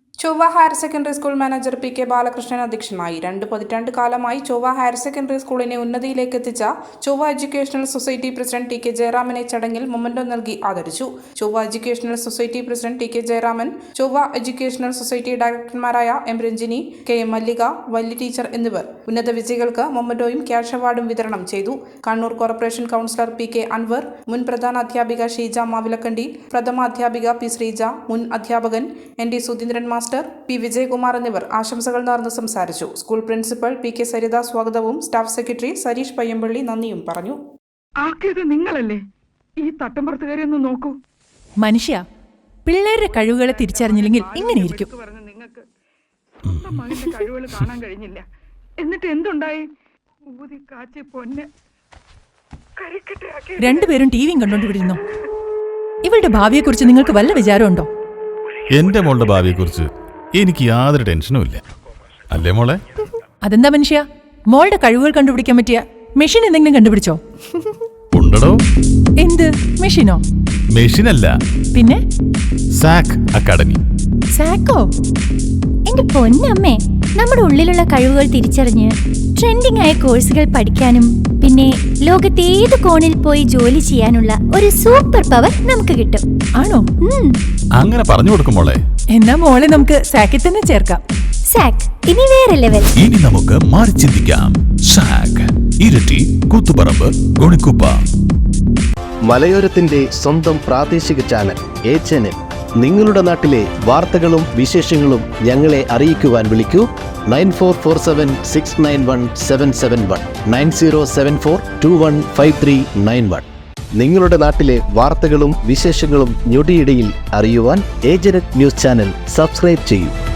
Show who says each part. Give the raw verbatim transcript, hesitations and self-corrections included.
Speaker 1: ചൊവ്വ higher secondary school manager P K Balakrishnan അധ്യക്ഷനായി. രണ്ട് പതിറ്റാണ്ട് കാലമായി ചൊവ്വ ഹയർ സെക്കൻഡറി സ്കൂളിനെ ഉന്നതിയിലേക്ക് എത്തിച്ച Chovva educational society president T K ജയറാമനെ ചടങ്ങിൽ മൊമന്റോ നൽകി ആദരിച്ചു. Chovva educational society president T K Jayaraman, Chovva educational society ഡയറക്ടർമാരായ M Ranjini, K M Mallika, Valli teacher എന്നിവർ ഉന്നത വിജയികൾക്ക് മൊമന്റോയും ക്യാഷ് അവാർഡും വിതരണം ചെയ്തു. Kannur corporation councillor P K Anwar, മുൻ പ്രധാന അധ്യാപിക ഷീജ മാവിലക്കണ്ടി, പ്രഥമ അധ്യാപിക പി ശ്രീജ, മുൻ അധ്യാപകൻ N D Sudheendran master, P Vijayakumar എന്നിവർ ആശംസകൾ നേർന്ന് സംസാരിച്ചു. School principal P K Saritha സ്വാഗതവും സ്റ്റാഫ് സെക്രട്ടറി സരീഷ് പയ്യമ്പള്ളി നന്ദിയും പറഞ്ഞു.
Speaker 2: നിങ്ങളല്ലേ ഈ തട്ടമ്പുറത്തുകാരെ ഒന്ന് നോക്കൂ.
Speaker 3: മനുഷ്യ പിള്ളേരുടെ കഴിവുകളെ തിരിച്ചറിഞ്ഞില്ലെങ്കിൽ ഇങ്ങനെയിരിക്കും.
Speaker 2: നിങ്ങൾക്ക് സ്വന്തം മകന്റെ കഴിവുകൾ കാണാൻ കഴിഞ്ഞില്ല. എന്നിട്ട് എന്തുണ്ടായി? ഊതി കാച്ചി പൊന്നെ കരിക്കട്ടയാക്കി
Speaker 3: രണ്ടുപേരും ടി വിയും കണ്ടോണ്ടിരുന്നു. ഇവളുടെ ഭാവിയെക്കുറിച്ച് നിങ്ങൾക്ക് വല്ല വിചാരമുണ്ടോ?
Speaker 4: എന്റെ മോളുടെ ഭാവിയെക്കുറിച്ച് എനിക്ക് യാതൊരു ടെൻഷനും ഇല്ല. അല്ലേ മോളെ?
Speaker 3: അതെന്താ മനുഷ്യ, മോളുടെ കഴിവുകൾ കണ്ടുപിടിക്കാൻ പറ്റിയ മെഷീൻ എന്തെങ്കിലും കണ്ടുപിടിച്ചോ?
Speaker 4: ഉണ്ടോ?
Speaker 3: എന്ത് മെഷീനോ?
Speaker 4: മെഷീനല്ല,
Speaker 3: പിന്നെ
Speaker 4: സാക് അക്കാഡമി.
Speaker 3: സാക്കോ?
Speaker 5: എന്റെ പൊന്നമ്മേ, നമ്മുടെ ഉള്ളിലുള്ള കഴിവുകൾ തിരിച്ചറിഞ്ഞ് ട്രെൻഡിംഗ് ആയ കോഴ്സുകൾ പഠിക്കാനും പിന്നെ ലോകത്തെ ഏത് കോണിൽ പോയി ജോലി ചെയ്യാനുള്ള ഒരു സൂപ്പർ പവർ നമുക്ക് കിട്ടും.
Speaker 3: ആണോ?
Speaker 4: അങ്ങനെ പറഞ്ഞു കൊടുക്കും മോളെ.
Speaker 3: എന്നാ മോളെ നമുക്ക് സാക്കിൽ തന്നെ ചേർക്കാം.
Speaker 5: സാക് ഇനി വേറെ ലെവൽ.
Speaker 4: ഇനി നമുക്ക് മാറി ചിന്തിക്കാം. സാക് ഇരട്ടി, കൂത്തുപറമ്പ്, ഗുണിക്കുപ്പ.
Speaker 6: മലയോരത്തിന്റെ സ്വന്തം പ്രാദേശിക ചാനൽ എ ചാനൽ. നിങ്ങളുടെ നാട്ടിലെ വാർത്തകളും വിശേഷങ്ങളും ഞങ്ങളെ അറിയിക്കുവാൻ വിളിക്കൂ. Nine four four seven six nine one seven seven one nine zero seven four two one five three nine one. നിങ്ങളുടെ നാട്ടിലെ വാർത്തകളും വിശേഷങ്ങളും ഞൊടിയിടയിൽ അറിയുവാൻ ഏജനറ്റ് ന്യൂസ് ചാനൽ സബ്സ്ക്രൈബ് ചെയ്യൂ.